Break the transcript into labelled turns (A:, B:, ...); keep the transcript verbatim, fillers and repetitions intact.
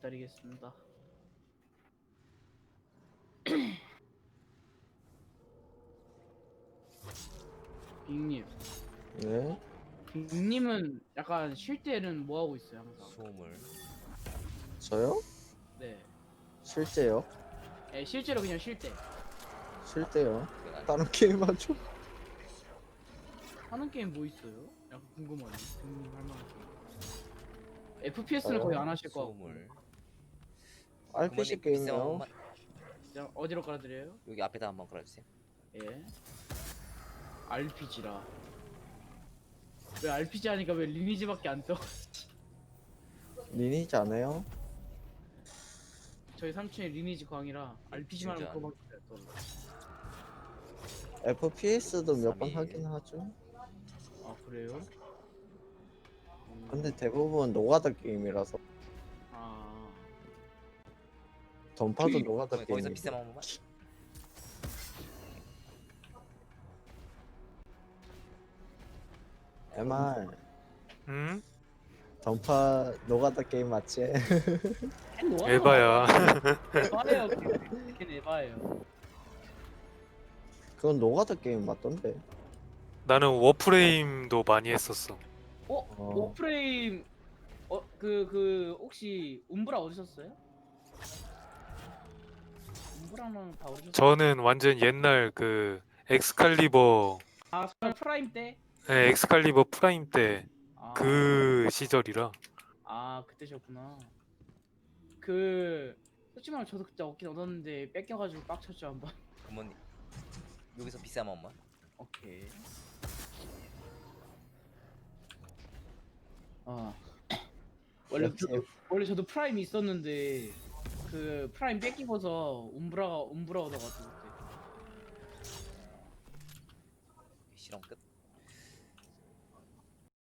A: 기다리겠습니다. 빅님,
B: 네?
A: 빅님은 약간 쉴 때는 뭐 하고 있어요 항상?
C: 소음을
B: 저요?
A: 네,
B: 실제요?
A: 예, 실제로 그냥 쉴 때
B: 쉴 때요?
C: 그건 아니-
B: 다른 게임 하죠?
A: 하는 게임 뭐 있어요? 약간 궁금하네. 빅님 할 만한 게임. 에프피에스는
B: 저요?
A: 거의 안 하실 거 같고.
C: 소음을
B: 알피씨
C: 부모님 비싼
B: 게임이요?
C: 원만
A: 그냥 어디로 깔아드려요?
C: 여기 앞에다 한번 걸어주세요.
A: 예. 알피지라. 왜 알피지 하니까 왜 리니지밖에 안 떠?
B: 리니지 안 해요?
A: 저희 삼촌이 리니지 광이라 알피지만 하면
C: 진짜
A: 그거밖에 안 떠.
B: 에프피에스도 몇 번
C: 삼일.
B: 하긴 하죠.
A: 아 그래요? 음,
B: 근데 대부분 노가다 게임이라서
A: 아
B: 던파도 노가다
C: 거기- 거기서
B: 게임이고
C: 비싼 한 번만.
B: 엠알
D: 응?
B: 던파 노가다 게임 맞지?
D: 에바야.
A: 에바예요. 걔 에바예요.
B: 그건 노가다 게임 맞던데.
D: 나는 워프레임도 많이 했었어.
A: 어?
B: 어.
A: 워프레임 어 그 그 혹시 움브라 어디셨어요? 움브라는 다 어디셨어요?
D: 저는 완전 옛날 그 엑스칼리버,
A: 아 정말 프라임 때?
D: 네, 엑스칼리버 프라임 때
A: 아,
D: 그 시절이라.
A: 아 그때셨구나. 그 솔직히 말하면 저도 그때 얻긴 얻었는데 뺏겨가지고 빡쳤죠 한번.
C: 부모님 여기서 비싼 원만.
A: 오케이. 아 원래
B: 역시
A: 저도, 원래 저도 프라임이 있었는데 그 프라임 뺏기고서 움브라가 움브라 얻어가지고 그때.
C: 실험 끝.